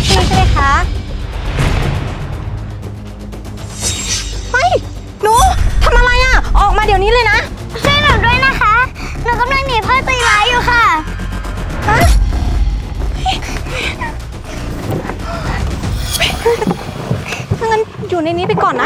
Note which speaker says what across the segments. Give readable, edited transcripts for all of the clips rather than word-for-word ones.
Speaker 1: พี่ใช่ไหมคะเฮ้ยหนูทำอะไรอ่ะออกมาเดี๋ยวนี้เลยนะ
Speaker 2: ช่วยหนูด้วยนะคะหนูกำลังหนีพ่อใจร้ายอยู่ค่ะ
Speaker 1: ฮะถ้างั้นอยู่ในนี้ไปก่อนนะ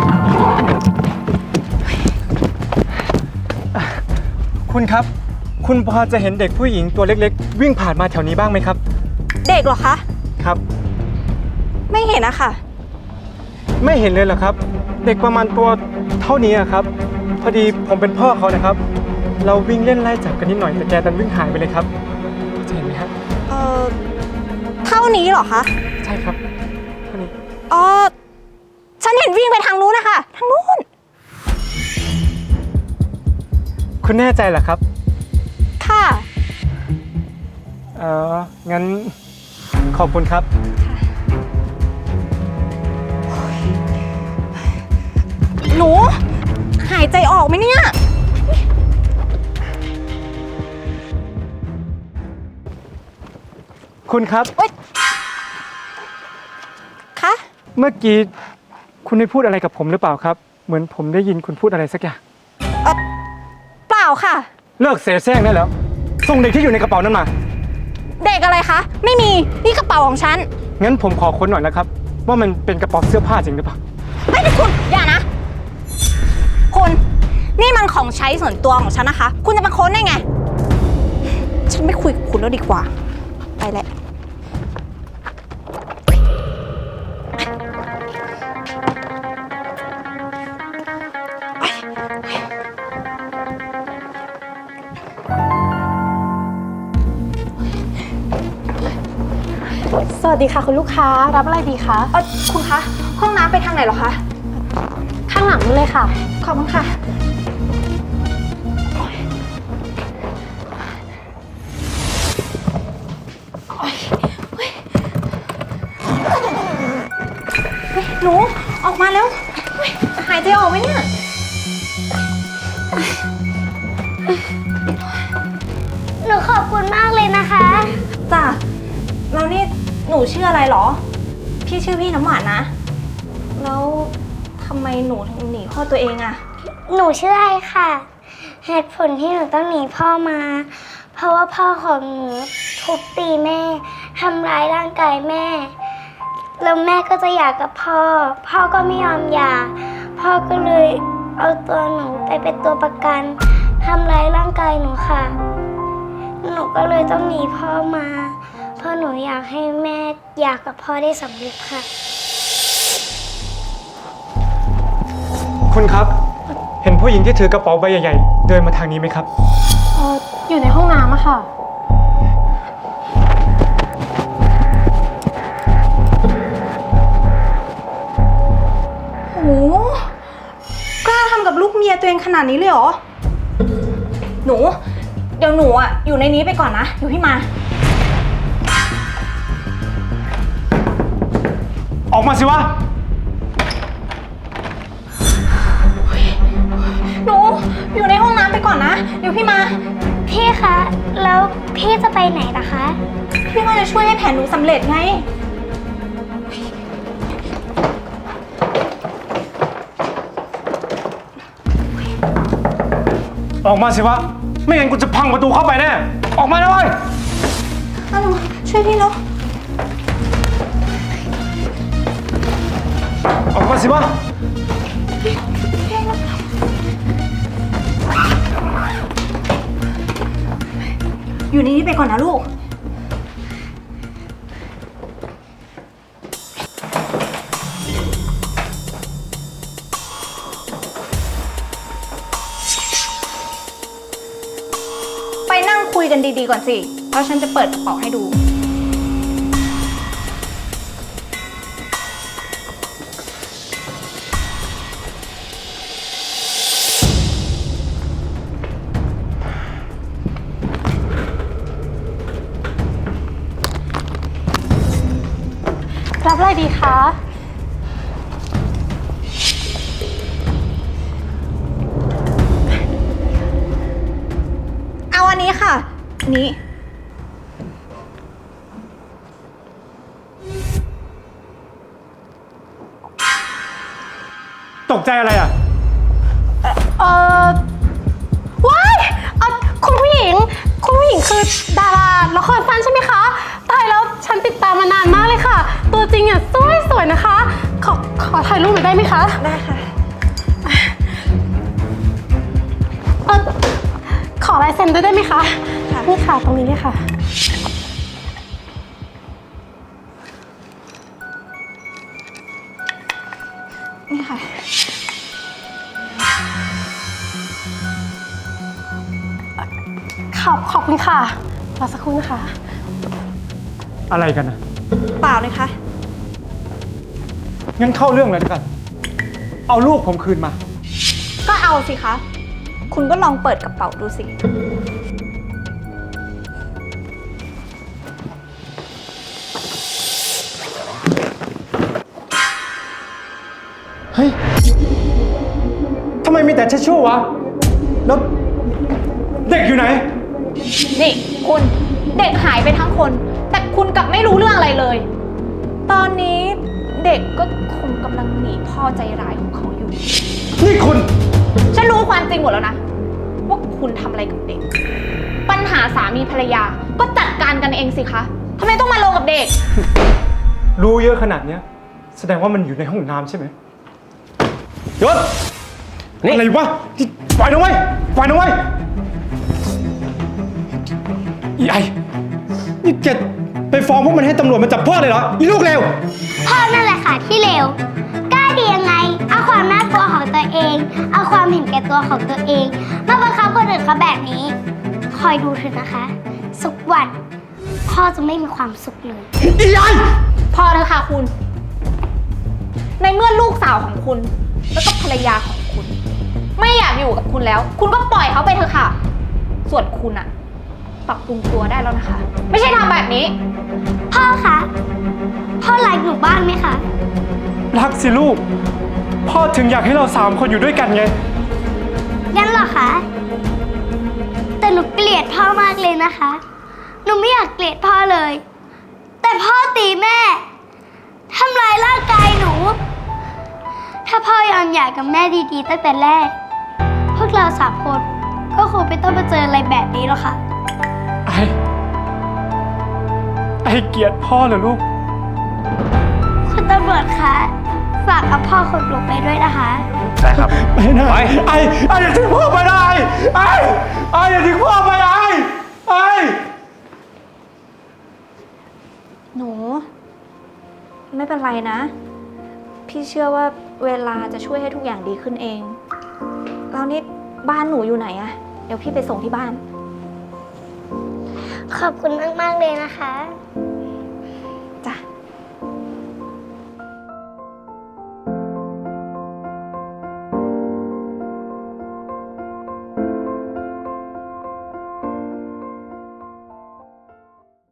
Speaker 3: คุณครับคุณพอจะเห็นเด็กผู้หญิงตัวเล็กๆวิ่งผ่านมาแถวนี้บ้างไหมครับ
Speaker 1: เด็กเหรอคะ
Speaker 3: ครับ
Speaker 1: ไม่เห็นอะค่ะ
Speaker 3: ไม่เห็นเลยเหรอครับเด็กประมาณตัวเท่านี้ครับพอดีผมเป็นพ่อเขานะครับเราวิ่งเล่นไล่จับกันนิดหน่อยแต่แกดันวิ่งหายไปเลยครับจะเห็นไหมครับ
Speaker 1: เท่านี้เหรอคะ
Speaker 3: ใช่ครับเท่านี้
Speaker 1: ฉันเห็นวิ่งไปทางนู้นนะคะทางนู้น
Speaker 3: คุณแน่ใจเหรอครับ
Speaker 1: ค่ะ
Speaker 3: งั้นขอบคุณครับ
Speaker 1: หนูหายใจออกไหมเนี่ย
Speaker 3: คุณครับ
Speaker 1: คะ
Speaker 3: เมื่อกี้คุณได้พูดอะไรกับผมหรือเปล่าครับเหมือนผมได้ยินคุณพูดอะไรสักอย่าง
Speaker 1: เปล่าค่ะ
Speaker 3: เลิกเสแสร้งได้แล้วส่งเด็กที่อยู่ในกระเป๋านั้นมา
Speaker 1: เด็กอะไรคะไม่มีนี่กระเป๋าของฉัน
Speaker 3: งั้นผมขอค้นหน่อยนะครับว่ามันเป็นกระเป๋าเสื้อผ้าจริงหรือเปล่า
Speaker 1: ไม่ได้คุณอย่านะคุณนี่มันของใช้ส่วนตัวของฉันนะคะคุณจะมาค้นได้ไงฉันไม่คุยกับคุณแล้วดีกว่าไปแหละ
Speaker 4: สวัสดีค่ะคุณลูกค้ารับอะไรดีคะ
Speaker 1: คุณคะห้องน้ำไปทางไหนหรอคะ
Speaker 4: ข้างหลังนู้นเลยค่ะ
Speaker 1: ขอบคุณค่ะหนูออกมาแล้วหายใจออกไหมเนี่ย
Speaker 2: หนูขอบคุณมากเลยนะคะ
Speaker 1: จ้ะแล้วนี่หนูชื่ออะไรหรอพี่ชื่อพี่น้ำหวานนะแล้วทำไมหนูถึงหนีพ่อตัวเองอะ
Speaker 2: หนูชื่อไอค่ะเหตุผลที่หนูต้องหนีพ่อมาเพราะว่าพ่อของหนูทุบตีแม่ทำร้ายร่างกายแม่แล้วแม่ก็จะหย่ากับพ่อพ่อก็ไม่ยอมหย่าพ่อก็เลยเอาตัวหนูไปเป็นตัวประกันทำร้ายร่างกายหนูค่ะหนูก็เลยต้องหนีพ่อมาเพราะหนูอยากให้แม่หย่ากับพ่อได้สำเร็จค่ะ
Speaker 3: คุณครับเห็นผู้หญิงที่ถือกระเป๋าใบใหญ่ๆเดินมาทางนี้ไหมครับ
Speaker 4: อยู่ในห้องน้ำอะค่ะ
Speaker 1: โหกล้าทำกับลูกเมียตัวเองขนาดนี้เลยเหรอหนูเดี๋ยวหนูอะอยู่ในนี้ไปก่อนนะเดี๋ยวพี่มา
Speaker 3: ออกมาสิวะ
Speaker 1: หนูอยู่ในห้องน้ำไปก่อนนะเดี๋ยวพี่มา
Speaker 2: พี่คะแล้วพี่จะไปไหนล่ะคะ
Speaker 1: พี่ก็จะช่วยให้แผนหนูสำเร็จไง
Speaker 3: ออกมาสิวะไม่งั้นกูจะพังประตูเข้าไปแน่ออกมาหน่อย
Speaker 1: หนูช่วยพี่แล้ว
Speaker 3: ออกมาสิวะ
Speaker 1: อยู่ในนี้ไปก่อนนะลูกไปนั่งคุยกันดีๆก่อนสิเพราะฉันจะเปิดกระเป๋าให้ดู
Speaker 4: รับอะไรดีคะ
Speaker 1: เอาอันนี้ค่ะอันนี้
Speaker 3: ตกใจอะไรอ่ะ
Speaker 4: ว้ายคุณผู้หญิงคือดาราละครสั้นใช่ไหมคะตายแล้วฉันติดตามมานานมากเลยค่ะ ตัวจริงอ่ะสวยนะคะ ขอถ่ายรูปหน่อยได้ไหมคะ
Speaker 1: ได้ค่ะ
Speaker 4: ขอลายเซ็นด้วยได้ไหมคะ
Speaker 1: ค่ะ
Speaker 4: นี่ค่ะตรงนี้เลยค่ะ
Speaker 1: นี่ค่ะ
Speaker 4: ขอบคุณค่ะรอสักครู่นะคะ
Speaker 3: อะไรกันนะ
Speaker 1: เปล่าเลยค่ะ
Speaker 3: งั้นเข้าเรื่องเลยแล้วกัน เอาลูกผมคืนมา
Speaker 1: ก็เอาสิคะ คุณก็ลองเปิดกระเป๋าดูสิ
Speaker 3: เฮ้ย ทำไมมีแต่ทิชชู่วะ แล้วเด็กอยู่ไหน
Speaker 1: นี่คุณเด็กหายไปทั้งคน แต่คุณกลับไม่รู้เรื่องอะไรเลย ตอนนี้เด็กก็คงกำลังหนีพ่อใจร้ายของเขาอยู่
Speaker 3: นี่คุณ
Speaker 1: ฉันรู้ความจริงหมดแล้วนะ ว่าคุณทำอะไรกับเด็ก ปัญหาสามีภรรยาก็จัดการกันเองสิคะทำไมต้องมาลงกับเด็ก
Speaker 3: รู้เยอะขนาดเนี้ย แสดงว่ามันอยู่ในห้องน้ำใช่ไหมยศนี่อะไรวะที่ปล่อยนะเว้ยปล่อยนะเว้ยอีไอนี่แกไปฟ้องพวกมันให้ตำรวจมาจับพ่อเลยเหรออีลูกเร็ว
Speaker 2: พ่อนั่นแหละค่ะที่เลวกล้าดียังไง เอาความน่ากลัวของตัวเอง เอาความเห็นแก่ตัวของตัวเองมาบังคับคนอื่นเขาแบบนี้ คอยดูเถอะนะคะ สักวันพ่อจะไม่มีความสุขเลย
Speaker 3: อีไอ
Speaker 1: พอเถอะค่ะคุณ ในเมื่อลูกสาวของคุณ แล้วก็ภรรยาของคุณ ไม่อยากอยู่กับคุณแล้ว คุณก็ปล่อยเขาไปเถอะค่ะ ส่วนคุณอะปรับปรุงตัวได้แล้วนะคะ ไม่ใช่ทำแบบนี้
Speaker 2: พ่อคะ พ่อรักหนูบ้างไหมคะ
Speaker 3: รักสิลูก พ่อถึงอยากให้เรา3 คนอยู่ด้วยกันไง
Speaker 2: งั้นเหรอคะ แต่หนูเกลียดพ่อมากเลยนะคะ หนูไม่อยากเกลียดพ่อเลย แต่พ่อตีแม่ทำร้ายร่างกายหนู ถ้าพ่อยอมหย่ากับแม่ดีๆตั้งแต่แรก พวกเรา3 คนก็คงไม่ต้องมาเจออะไรแบบนี้หรอกค่ะ
Speaker 3: ไอเกลียดพ่อเหรอลูก
Speaker 2: คุณตำรวจคะ ฝากกับพ่อคนหนูไปด้วยนะคะ
Speaker 5: ได้ครับ
Speaker 3: ไปนะไออย่าทิ้งพ่อไปนะไออย่าทิ้งพ่อไปไอ
Speaker 1: หนู ไม่เป็นไรนะ พี่เชื่อว่าเวลาจะช่วยให้ทุกอย่างดีขึ้นเองแล้วนี่บ้านหนูอยู่ไหนอะเดี๋ยวพี่ไปส่งที่บ้าน
Speaker 2: ขอบคุณมากๆเลยนะคะ
Speaker 1: ค